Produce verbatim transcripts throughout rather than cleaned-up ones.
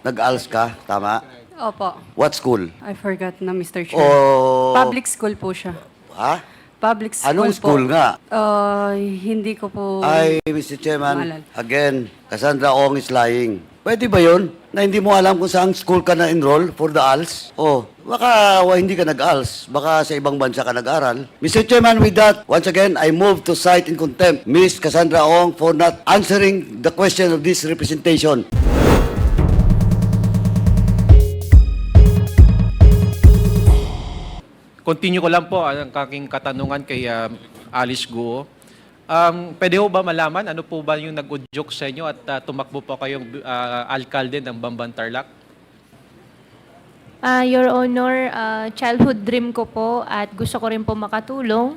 Nag-A L S ka, tama? Opo. What school? I forgot na, Mister Chair. O... Public school po siya. Ha? Public school Anong po. school nga? Uh, hindi ko po... Ay, Mister Chairman, Maalala. again, Cassandra Ong is lying. Pwede ba yun? Na hindi mo alam kung saan school ka na-enroll for the A L S? Oh, baka wa, hindi ka nag-A L S. Baka sa ibang bansa ka nag-aral. Mister Chairman, with that, once again, I move to cite in contempt Miss Cassandra Ong for not answering the question of this representation. Continue ko lang po ang aking katanungan kay uh, Alice Guo. Um, pwede ho ba malaman ano po ba yung nag-udyok sa inyo at uh, tumakbo po kayong uh, alkalde ng Bamban Tarlac? Ah, Your Honor, ah, childhood dream ko po at gusto ko rin po makatulong.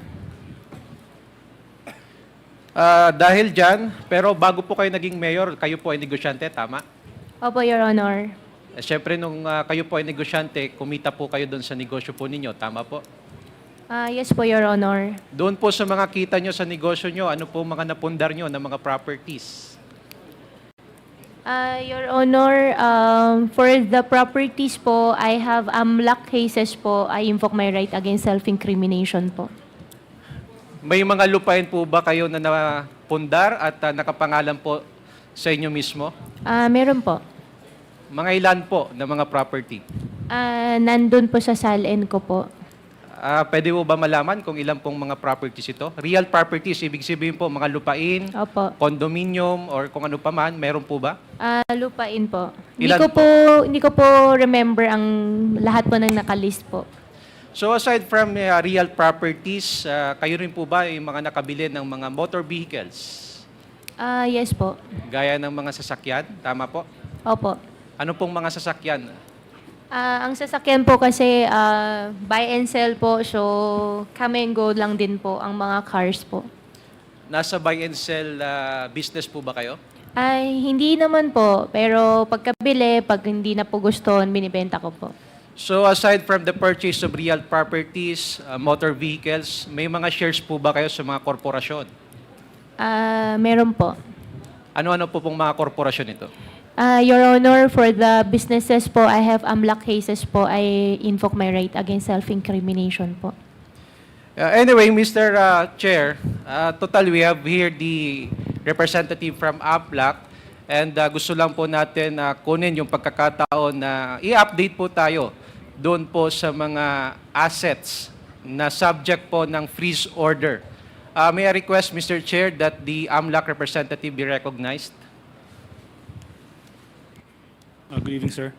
Uh, dahil dyan, pero bago po kayo naging mayor, kayo po ay negosyante, tama? Opo, Your Honor. Eh, Siyempre, nung uh, kayo po ay negosyante, kumita po kayo doon sa negosyo po ninyo, tama po? Ah, yes po, Your Honor. Doon po sa mga kita nyo sa negosyo nyo, ano po mga napundar nyo ng mga properties? Ah, Your Honor, um, for the properties po, I have amlak cases po. I invoke my right against self-incrimination po. May mga lupain po ba kayo na napundar at uh, nakapangalan po sa inyo mismo? Ah, meron po. Mga ilan po na mga property? Ah, nandun po sa S A L N ko po. Ah, pwede mo ba malaman kung ilan pong mga properties ito? Real properties, ibig sabihin po mga lupain, Opo. condominium, or kung ano pa man, meron po ba? Ah, lupain po. Hindi Ilan ko po? po, hindi ko po remember ang lahat po ng nakalist po. So aside from uh, real properties, ah, kayo rin po ba yung mga nakabili ng mga motor vehicles? Ah, yes po. Gaya ng mga sasakyan, tama po? Opo. Ano pong mga sasakyan? Ah, ang sasakyan po kasi ah, buy and sell po, so come and go lang din po ang mga cars po. Nasa buy and sell ah, business po ba kayo? Ay, hindi naman po, pero pagkabili, pag hindi na po gusto, binibenta ko po. So aside from the purchase of real properties, uh, motor vehicles, may mga shares po ba kayo sa mga korporasyon? Ah, meron po. Ano-ano po pong mga korporasyon ito? Ah, Your Honor, for the businesses po, I have amlak cases po, I invoke my right against self-incrimination po. Uh, anyway, Mister uh, Chair, uh, total we have here the representative from AMLAC and uh, gusto lang po natin uh, kunin yung pagkakataon na i-update po tayo doon po sa mga assets na subject po ng freeze order. Uh, may I request, Mister Chair, that the AMLAC representative be recognized? Uh, good evening, sir.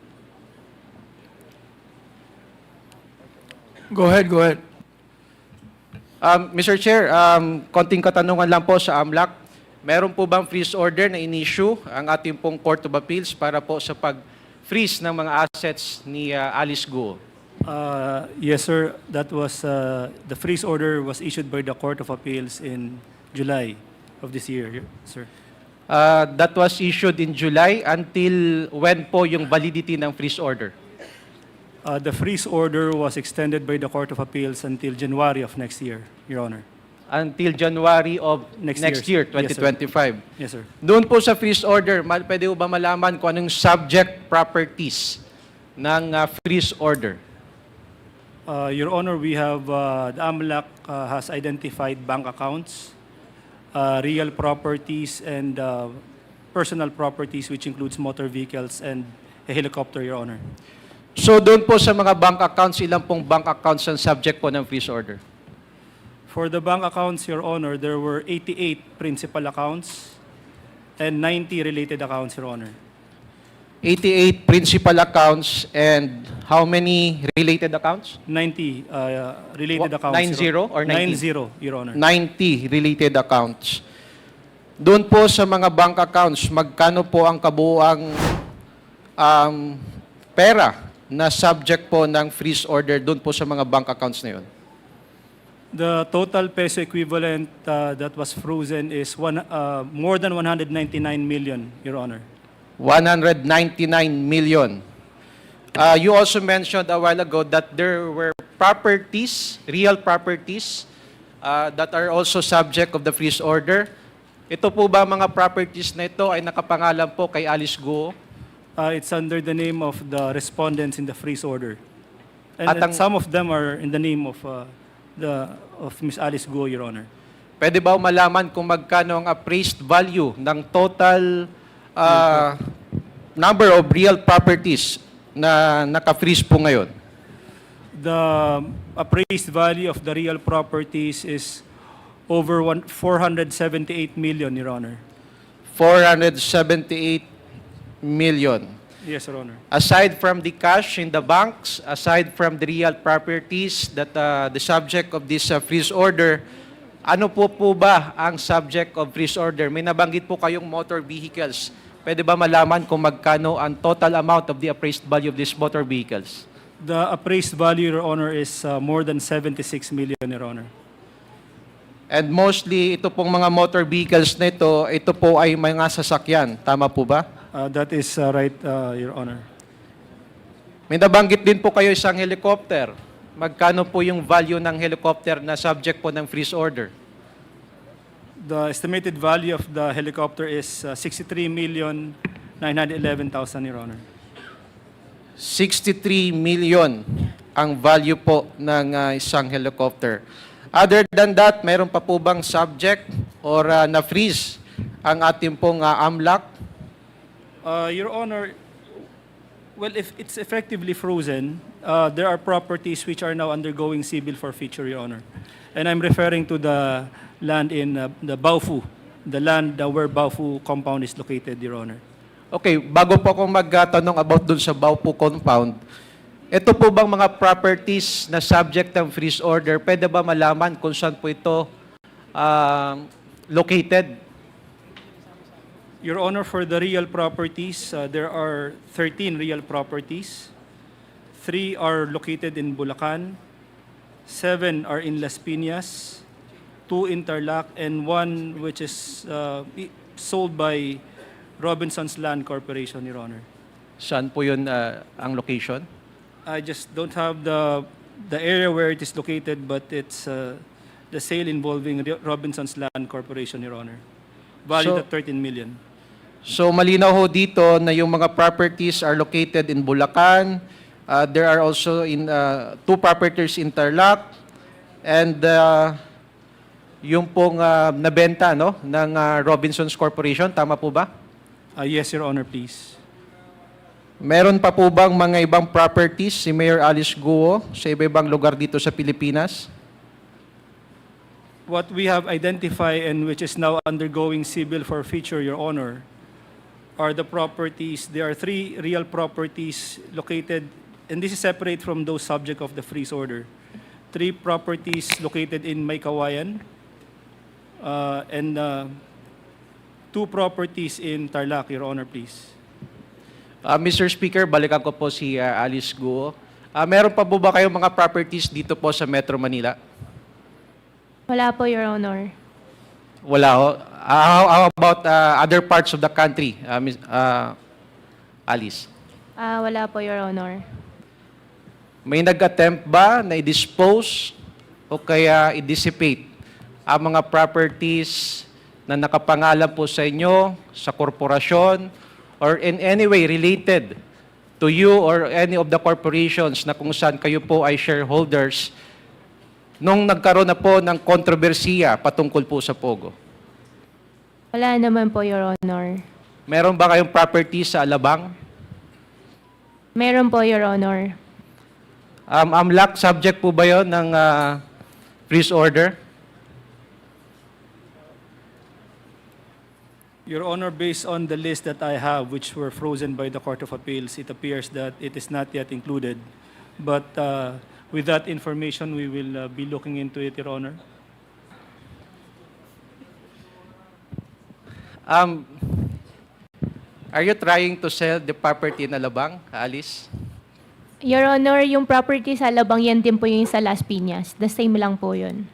Go ahead, go ahead. Um, Mister Chair, um, konting katanungan lang po sa AMLAC. Meron po bang freeze order na in-issue ang ating pong Court of Appeals para po sa pag-freeze ng mga assets ni uh, Alice Guo? Uh, yes, sir. That was uh, the freeze order was issued by the Court of Appeals in July of this year, sir. Uh, that was issued in July. Until when po yung validity ng freeze order? Uh, the freeze order was extended by the Court of Appeals until January of next year, Your Honor. Until January of Next next, year. year, Yes, sir. twenty twenty-five. Yes, sir. Doon po sa freeze order, ma- pwede po ba malaman kung anong subject properties ng uh, freeze order? Uh, Your Honor, we have, uh, the AMLAC uh, has identified bank accounts, uh, real properties, and uh, personal properties, which includes motor vehicles and a helicopter, Your Honor. So doon po sa mga bank accounts, ilan pong bank accounts ang subject po ng freeze order? For the bank accounts, Your Honor, there were eighty-eight principal accounts and ninety related accounts, Your Honor. eighty-eight principal accounts and how many related accounts? ninety uh, related What, accounts. nine Your- zero or ninety? nine zero, Your Honor. ninety related accounts. Doon po sa mga bank accounts, magkano po ang kabuuang um, pera na subject po ng freeze order doon po sa mga bank accounts na yun? The total peso equivalent uh, that was frozen is one, uh, more than one hundred ninety-nine million, Your Honor. one hundred ninety-nine million. Uh, you also mentioned a while ago that there were properties, real properties, uh, that are also subject of the freeze order. Ito po ba mga properties na ito ay nakapangalan po kay Alice Guo? Uh, it's under the name of the respondents in the freeze order. And, At and ang- some of them are in the name of uh, the of Miss Alice Guo, Your Honor. Pwede ba malaman kung magkano ang appraised value ng total ah, number of real properties na naka-freeze po ngayon? The appraised value of the real properties is over one, four hundred seventy-eight million, Your Honor. four hundred seventy-eight million. Yes, Your Honor. Aside from the cash in the banks, aside from the real properties that uh, the subject of this uh, freeze order, ano po po ba ang subject of freeze order? May nabanggit po kayong motor vehicles. Pwede ba malaman kung magkano ang total amount of the appraised value of these motor vehicles? The appraised value, Your Honor, is uh, more than seventy-six million, Your Honor. And mostly, ito pong mga motor vehicles na ito, ito po ay mga sasakyan. Tama po ba? Uh, that is uh, right, uh, Your Honor. May nabanggit din po kayo isang helicopter. Magkano po yung value ng helicopter na subject po ng freeze order? The estimated value of the helicopter is uh, sixty-three million nine hundred eleven thousand, Your Honor. sixty-three million ang value po ng uh, isang helicopter. Other than that, meron pa po bang subject or uh, na-freeze ang ating pong uh, AMLAC? Uh, Your Honor, well, if it's effectively frozen, uh, there are properties which are now undergoing civil forfeiture, Your Honor. And I'm referring to the land in uh, the Baofu, the land uh, where Baofu compound is located, Your Honor. Okay, bago po akong magtanong about dun sa Baopu compound, ito po bang mga properties na subject ng freeze order, pwede ba malaman kung saan po ito uh, located? Your Honor, for the real properties, uh, there are thirteen real properties. Three are located in Bulacan, seven are in Las Piñas, two in Tarlac, and one which is uh, i- sold by Robinson's Land Corporation, Your Honor. Saan po yun uh, ang location? I just don't have the the area where it is located, but it's uh, the sale involving Ro- Robinson's Land Corporation, Your Honor. Valued So- at thirteen million. So malinaw ho dito na yung mga properties are located in Bulacan. Uh, there are also in uh, two properties in Tarlac, and uh, yung pong uh, nabenta no ng uh, Robinsons Corporation, tama po ba? Uh, yes, Your Honor, please. Meron pa po bang mga ibang properties si Mayor Alice Guo sa iba-ibang lugar dito sa Pilipinas? What we have identified and which is now undergoing civil forfeiture, Your Honor, are the properties. There are three real properties located, and this is separate from those subject of the freeze order. Three properties located in Maykawayan, uh, and uh, two properties in Tarlac, Your Honor, please. Uh, Mister Speaker, balikan ko po si uh, Alice Guo. Uh, meron pa po ba kayong mga properties dito po sa Metro Manila? Wala po, Your Honor. Wala ho. Uh, how, how about uh, other parts of the country, uh, Miss- uh, Alice? Ah, wala po, Your Honor. May nag-attempt ba na i-dispose o kaya i-dissipate ang mga properties na nakapangalan po sa inyo, sa korporasyon, or in any way related to you or any of the corporations na kung saan kayo po ay shareholders nung nagkaroon na po ng kontrobersiya patungkol po sa Pogo? Wala naman po, Your Honor. Meron ba kayong property sa Alabang? Meron po, Your Honor. Um, AMLAC, subject po ba yun ng uh, freeze order? Your Honor, based on the list that I have, which were frozen by the Court of Appeals, it appears that it is not yet included. But uh, with that information, we will uh, be looking into it, Your Honor. Um, are you trying to sell the property in Alabang, Alice? Your Honor, yung property sa Alabang, yan din po yung sa Las Piñas. The same lang po yun.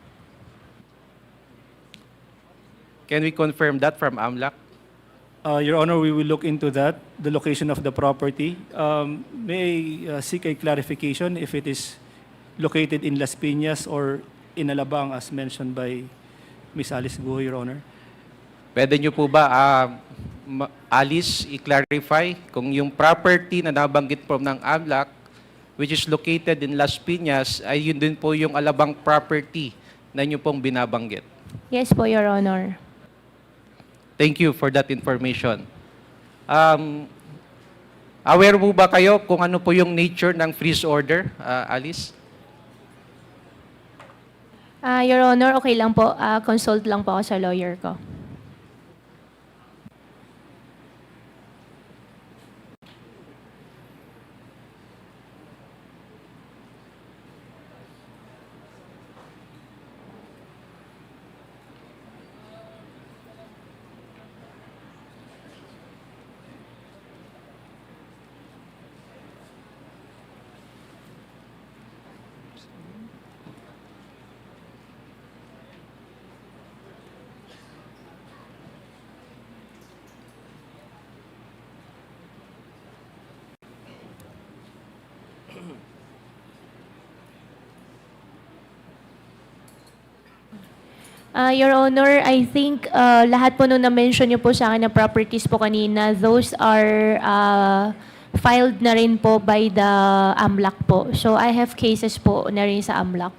Can we confirm that from AMLAC? Uh, Your Honor, we will look into that, the location of the property. Um, May I uh, seek a clarification if it is located in Las Piñas or in Alabang, as mentioned by Miz Alice Guo, Your Honor? Pwede nyo po ba uh, ma- Alice i-clarify kung yung property na nabanggit po ng AMLAC, which is located in Las Piñas, ay yun din po yung alabang property na inyo pong binabanggit. Yes po, Your Honor. Thank you for that information. Um, aware po ba kayo kung ano po yung nature ng freeze order, uh, Alice? Ah, Your Honor, okay lang po. Ah, consult lang po ako sa lawyer ko. Ah, Your Honor, I think ah, lahat po nung na-mention niyo po sa akin na properties po kanina, those are ah, filed na rin po by the AMLAC po. So I have cases po na rin sa AMLAC.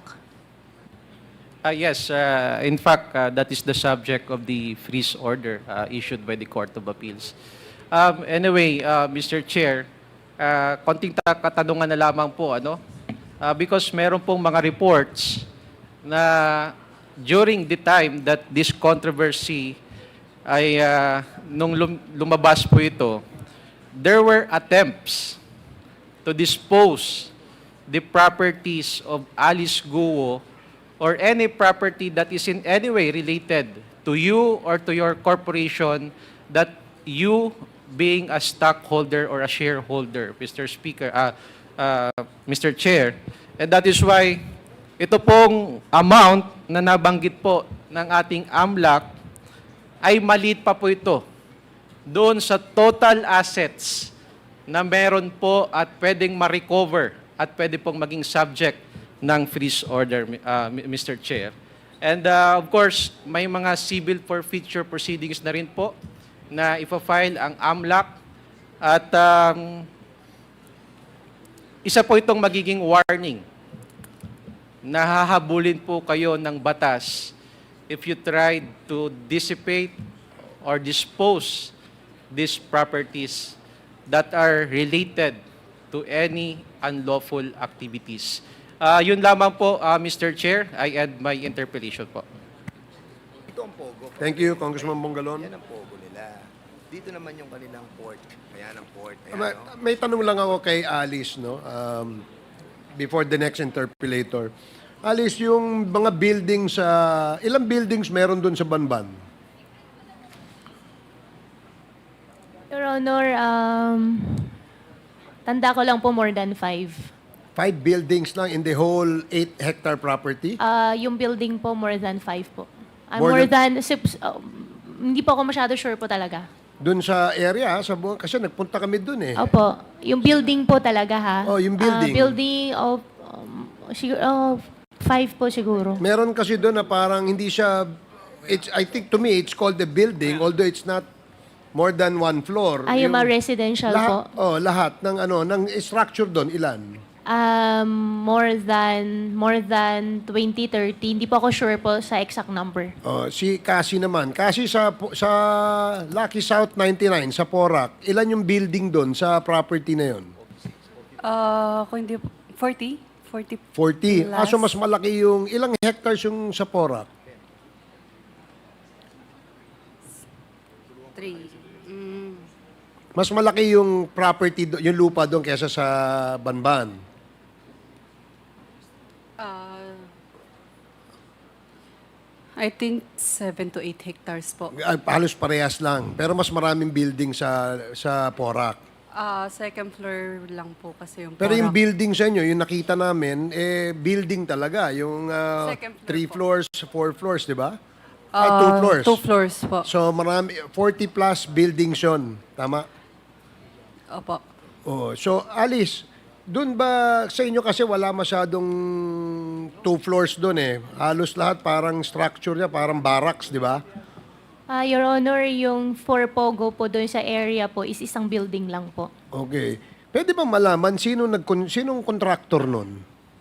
Uh, yes, uh, in fact, uh, that is the subject of the freeze order uh, issued by the Court of Appeals. Um, anyway, uh, Mister Chair, uh, konting ta- katanungan na lamang po, ano? Uh, because meron pong mga reports na during the time that this controversy ay uh, nung lum- lumabas po ito, there were attempts to dispose the properties of Alice Guo or any property that is in any way related to you or to your corporation that you being a stockholder or a shareholder, Mister Speaker, uh, uh, Mister Chair. And that is why ito pong amount na nabanggit po ng ating AMLAC ay maliit pa po ito doon sa total assets na meron po at pwedeng ma-recover at pwede pong maging subject ng freeze order, uh, Mister Chair. And uh, of course, may mga civil forfeiture proceedings na rin po na ipa-file ang AMLAC at um, isa po itong magiging warning. Nahahabulin po kayo ng batas if you try to dissipate or dispose these properties that are related to any unlawful activities. Uh, yun lamang po, uh, Mister Chair. I end my interpellation po. Ito ang pogo. Thank you, Congressman Bongalon. Yan ang pogo nila. Dito naman yung kanilang port. Ayan ang port. Ayan, May, no? may tanong lang ako kay Alice, no? Um, before the next interpellator. Alice, yung mga buildings sa... ilang buildings meron doon sa Banban? Your Honor, um, tanda ko lang po more than five. Five buildings lang in the whole eight hectare property? Ah, yung building po more than five po. Ah, More more, than, sips- um, hindi po ako masyado sure po talaga. Doon sa area, sa buong... kasi nagpunta kami doon eh. Opo, yung building po talaga ha. Oh, yung building. Ah, building of, um, siguro, oh, five po siguro. Meron kasi doon na parang hindi siya... It's, I think to me, it's called a building, although it's not more than one floor. Ay, yung mga residential lahat, po. Oh, lahat ng ano, ng structure doon, ilan? Um, more than, more than twenty, thirty. Hindi po ako sure po sa exact number. Oh, si Cassie naman. Cassie sa sa Lucky South ninety-nine sa Porac, ilan yung building doon sa property na yon? Ah, kung hindi, forty? forty forty. plus. Ah, so mas malaki yung ilang hectares yung sa Porac? Three. Mm, Mas malaki yung property do, yung lupa doon kaysa sa Banban. ah, I think seven to eight hectares po. Ah, halos parehas lang, pero mas maraming building sa sa Porac. Ah, second floor lang po kasi yung Pero yung Porac. building sa inyo, yung nakita namin, eh building talaga, yung ah, Second floor three po. floors, four floors, di ba? Ay, Ah, two floors. Two floors po. So marami forty plus buildings yun. Tama? Opo. Oh, so Alice, doon ba sa inyo kasi wala masyadong two floors doon eh. Halos lahat parang structure niya, parang barracks, di ba? Ah, Your Honor, yung for Pogo po doon sa area po is isang building lang po. Okay. Pwede ba malaman sino nag sinong contractor nun?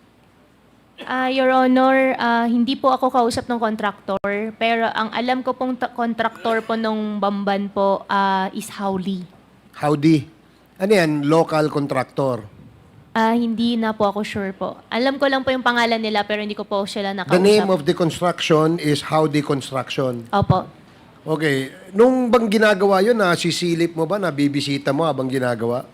Ah, Your Honor, ah, hindi po ako kausap ng contractor, pero ang alam ko pong ta- contractor po nung Bamban po ah, is Howley. Howdy. Ano yan? Local contractor. Ah, hindi na po ako sure po. Alam ko lang po yung pangalan nila pero hindi ko po sila nakausap. The name of the construction is Howdy Construction. Opo. Okay. Nung bang ginagawa yun, nasisilip mo ba? Nabibisita mo habang ginagawa?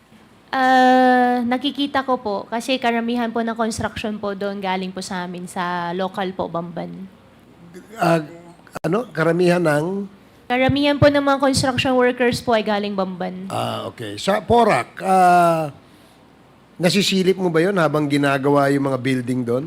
Ah, nakikita ko po kasi karamihan po ng construction po doon galing po sa amin sa local po Bamban. Ah, ano? Karamihan ng... Karamihan po ng mga construction workers po ay galing Bamban. Ah, okay. Sa Porac, ah, nasisilip mo ba yun habang ginagawa yung mga building doon?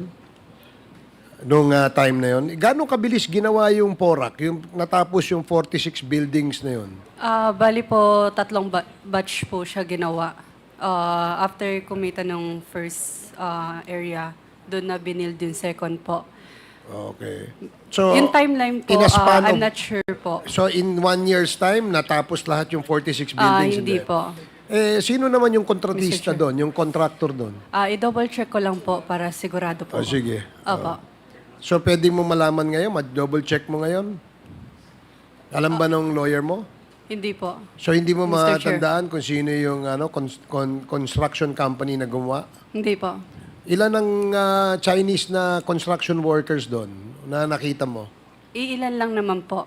Nung ah, time na yun? Gano'ng kabilis ginawa yung Porac? Yung natapos yung forty-six buildings na yun? Ah, bali po, tatlong ba- batch po siya ginawa. Ah, after kumita ng first ah, area, doon na binild yung second po. Okay. So, yung timeline po, in a span ah, I'm of- not sure po. So, in one year's time, natapos lahat yung forty-six Ah, buildings? hindi na yun? po. Eh, sino naman yung kontratista Mister Chair. doon? Yung contractor doon? Ah, i-double check ko lang po para sigurado po. Oh, sige. Opo. So, pwede mo malaman ngayon? Ma-double check mo ngayon? Alam ba nung lawyer mo? Hindi po. So, hindi mo Mister Chair. matandaan kung sino yung ano, cons- con- construction company na gumawa? Hindi po. Ilan ang ah, Chinese na construction workers doon na nakita mo? Iilan lang naman po.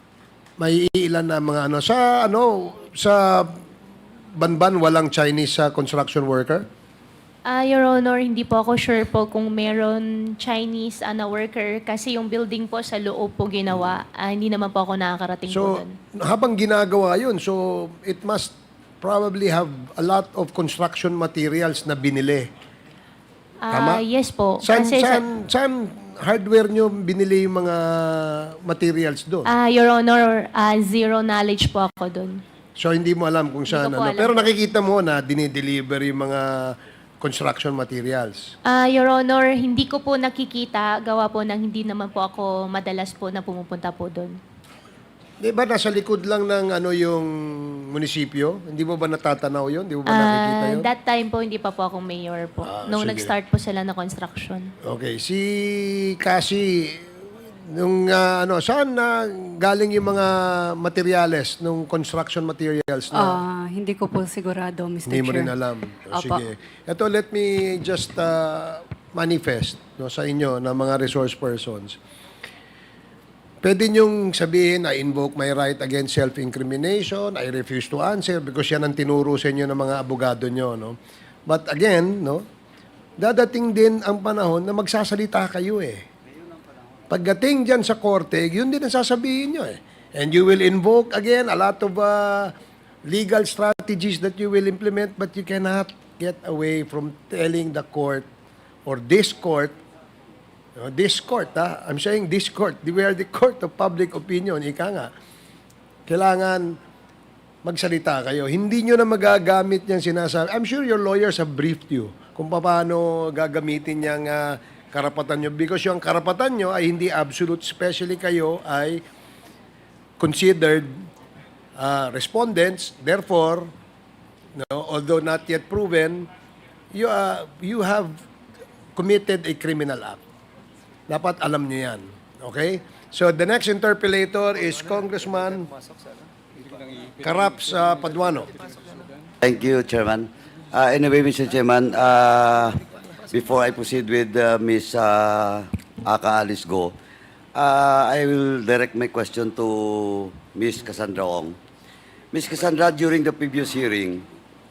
May ilan na mga ano sa ano sa Banban walang Chinese sa construction worker? Ah, Your Honor, hindi po ako sure po kung meron Chinese ah, na worker kasi yung building po sa loob po ginawa. Ah, hindi naman po ako nakakarating po So doon. habang ginagawa 'yun, so it must probably have a lot of construction materials na binili. Ah, tama? yes po. Saan, Kasi sa- saan, saan hardware nyo binili yung mga materials doon? Ah, Your Honor, ah, zero knowledge po ako doon. So hindi mo alam kung saan ko po ano. alam. Pero nakikita mo na dinideliver yung mga construction materials. Ah, Your Honor, hindi ko po nakikita, gawa po ng hindi naman po ako madalas po na pumupunta po doon. Di ba nasa likod lang ng ano yung munisipyo? Hindi mo ba natatanaw yun? Hindi mo ba nakikita Ah, yun? that time po, hindi pa po akong mayor po. Ah, Nung sige. nag-start po sila na construction. Okay, si Cassie, nung ah, ano, saan na galing yung mga materyales, nung construction materials na Ah, hindi ko po sigurado, Mister hindi mo Chair. rin alam? O, Opo. sige. Ito, let me just ah, manifest no, sa inyo na mga resource persons. Pwede niyong sabihin, I invoke my right against self-incrimination, I refuse to answer because yan ang tinuro sa inyo ng mga abogado niyo. No? But again, no, dadating din ang panahon na magsasalita kayo eh. Pagdating dyan sa korte, yun din ang sasabihin nyo eh. And you will invoke again a lot of uh, legal strategies that you will implement but you cannot get away from telling the court or this court No, this court, ha? I'm saying this court. We are the court of public opinion. Ika nga. Kailangan magsalita kayo. Hindi nyo na magagamit niyang sinasabi. I'm sure your lawyers have briefed you kung paano gagamitin niyang ah, karapatan nyo. Because yung karapatan nyo ay hindi absolute. Especially kayo ay considered ah, respondents. Therefore, no, although not yet proven, you, ah, you have committed a criminal act. Dapat alam nyo yan. Okay? So, the next interpellator is Congressman Karaps uh, Paduano. Thank you, Chairman. Uh, anyway, Mister Chairman, uh, before I proceed with uh, Miz Uh, Aka Alice Go, uh, I will direct my question to Miz Cassandra Ong. Miz Cassandra, during the previous hearing,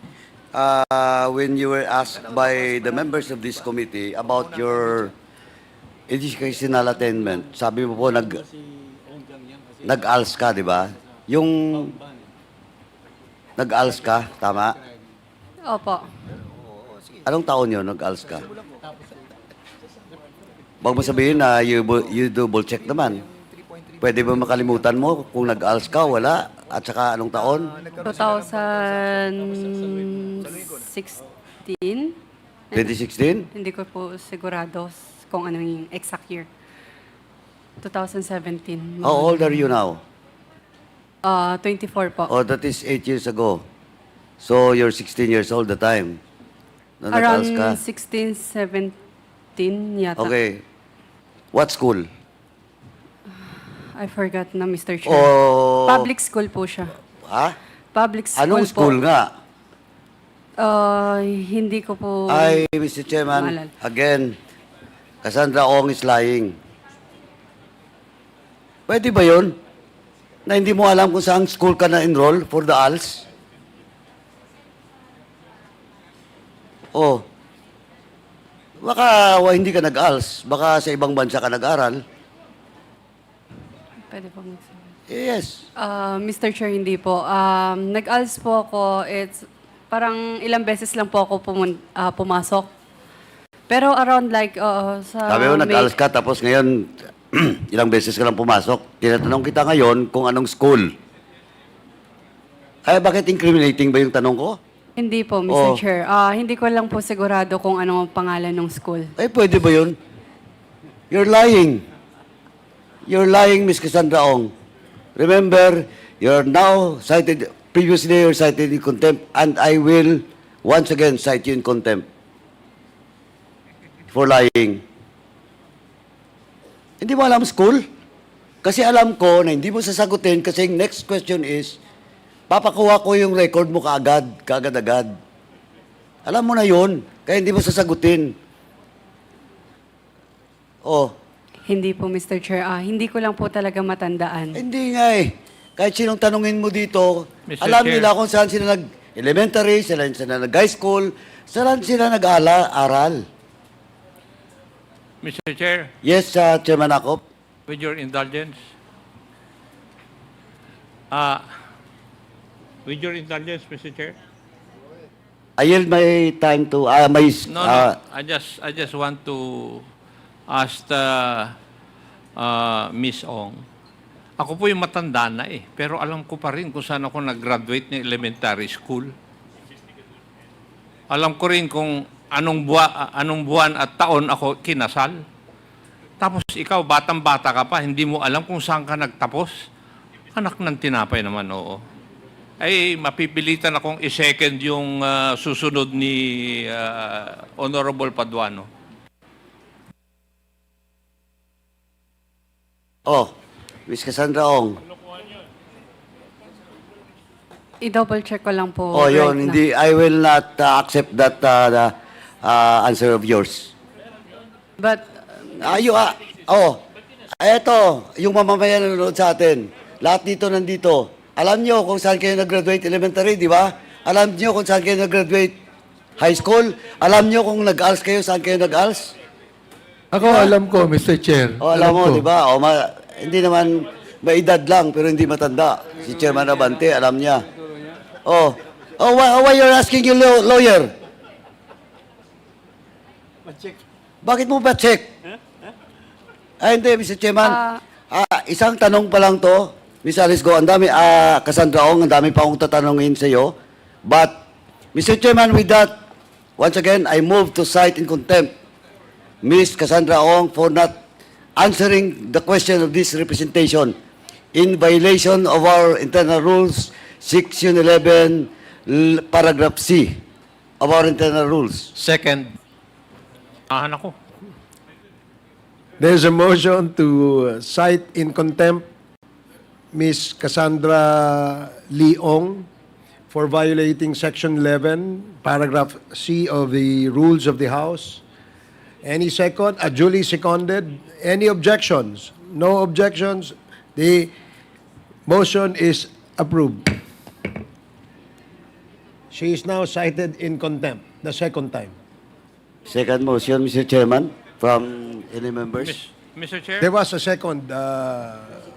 uh, when you were asked by the members of this committee about your educational attainment, sabi mo po nag nag-A L S ka, di ba? Yung nag-A L S ka, tama? Opo. Anong taon yun, nag-A L S ka? Huwag mo sabihin na you, bu- you double check naman. Pwede ba makalimutan mo kung nag-A L S ka, wala? At saka anong taon? twenty sixteen? twenty sixteen? Hindi ko po sigurado kung ano yung exact year. twenty seventeen. How old are you now? Uh, twenty-four po. Oh, that is eight years ago. So, you're sixteen years old the time. Na nag-ALS ka? Around sixteen, seventeen yata. Okay. What school? I forgot na, Mister Chair. Oh, Public school po siya. ha? Public school Anong po. school nga? Uh, hindi ko po... Ay, Mister Chairman, maalala. again, Cassandra Ong is lying. Pwede ba yun? Na hindi mo alam kung saan school ka na-enroll for the A L S? Oh. Baka wa, hindi ka nag-A L S. Baka sa ibang bansa ka nag-aral. Pwede po magsabi. Yes. Uh, Mister Chair, hindi po. Um, nag-A L S po ako. It's parang ilang beses lang po ako pumun- ah, pumasok. Pero around like uh, sa... Sabi mo, May- nag-A L S ka, tapos ngayon, ilang beses ka lang pumasok. Tinatanong kita ngayon kung anong school. Ay, bakit incriminating ba yung tanong ko? Hindi po, Mister Oh. Chair. Ah, hindi ko lang po sigurado kung ano ang pangalan ng school. Ay, pwede ba yun? You're lying. You're lying, Miss Cassandra Ong. Remember, you're now cited, previously you're cited in contempt, and I will once again cite you in contempt for lying. Hindi mo alam school? Kasi alam ko na hindi mo sasagutin kasi yung next question is, papakuha ko yung record mo kaagad, kaagad-agad. Alam mo na yun, kaya hindi mo sasagutin. Oh, Hindi po, Mister Chair. Ah, hindi ko lang po talaga matandaan. hindi nga eh. Kahit sinong tanungin mo dito, Mister alam Chair. nila kung saan sila nag-elementary, saan sila nag-high school, saan sila nag-aral. Mister Chair, Yes, uh, Chairman Akop. with your indulgence, uh, with your indulgence, Mister Chair. I yield my time to, ah, my, No, ah, no, I just, I just want to ask the, uh, Miss Ong. Ako po yung matanda na eh, pero alam ko pa rin kung saan ako nag-graduate ng elementary school. Alam ko rin kung anong, buwa, anong buwan at taon ako kinasal. Tapos ikaw, batang-bata ka pa, hindi mo alam kung saan ka nagtapos. Anak ng tinapay naman, oo. Ay, mapipilitan akong i-second yung uh, susunod ni uh, Honorable Paduano. oh, Miss Cassandra Ong. I-double check ko lang po. Oh, right yun, now. hindi, I will not uh, accept that uh, the, uh, answer of yours. But, Ayo, ah, oh, eto, yung mamamayan na nanonood sa atin. Lahat dito nandito. Alam nyo kung saan kayo nag-graduate elementary, di ba? Alam nyo kung saan kayo nag-graduate high school? Alam nyo kung nag-A L S kayo, saan kayo nag-A L S? Ako alam ko, Mister Chair. O, alam mo, ko. di ba? O, ma- hindi naman, may edad lang, pero hindi matanda. Si Chairman Abante, alam niya. Oh, oh, why, why you're asking your law- lawyer? Bakit mo ba check? Ay, hindi, Mister Chairman. Ah, isang tanong pa lang to. Miss Alice Go, ang dami, ah, Cassandra Ong, ang dami pa akong tatanungin sa iyo. But, Mister Chairman, with that, once again, I move to cite in contempt Miss Cassandra Ong for not answering the question of this representation in violation of our internal rules, Section eleven, l- paragraph C of our internal rules. Second. Ahan ako. There's a motion to cite in contempt Miss Cassandra Leong for violating Section eleven, paragraph C of the Rules of the House. Any second? Uh, duly seconded. Any objections? No objections. The motion is approved. She is now cited in contempt, the second time. Second motion, Mister Chairman, from any members. Miss, Mister Chair, There was a second. Uh,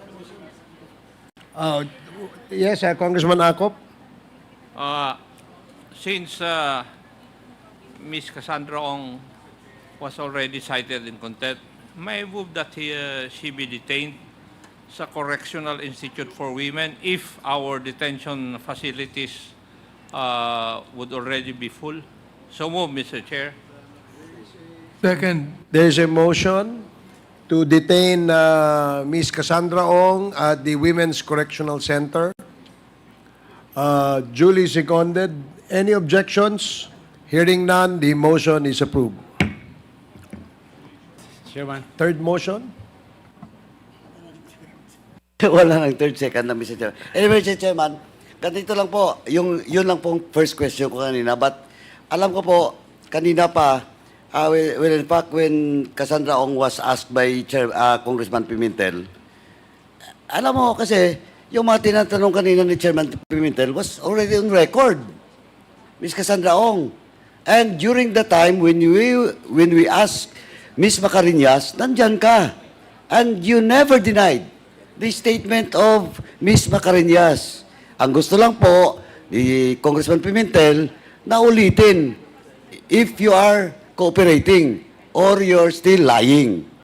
uh, yes, uh, Congressman Akop. uh, since uh, Miss Cassandra Ong was already cited in contempt, may I move that he, uh, she be detained sa Correctional Institute for Women if our detention facilities uh, would already be full. So move, Mister Chair. Second. There's a motion to detain uh, Miss Cassandra Ong at the Women's Correctional Center. Uh, duly seconded. Any objections? Hearing none, the motion is approved. Chairman. Third motion? Wala nang third, second na, Mister Chairman. Anyway, Mister Chairman, ganito lang po, yung, yun lang pong first question ko kanina. But alam ko po, kanina pa, uh, well, well, in fact, when Cassandra Ong was asked by Chair, uh, Congressman Pimentel, alam mo kasi, yung mga tinatanong kanina ni Chairman Pimentel was already on record. Miss Cassandra Ong. And during the time when we, when we asked Miss Macarinas, nandyan ka. And you never denied the statement of Miss Macarinas. Ang gusto lang po ni Congressman Pimentel na ulitin if you are cooperating or you're still lying.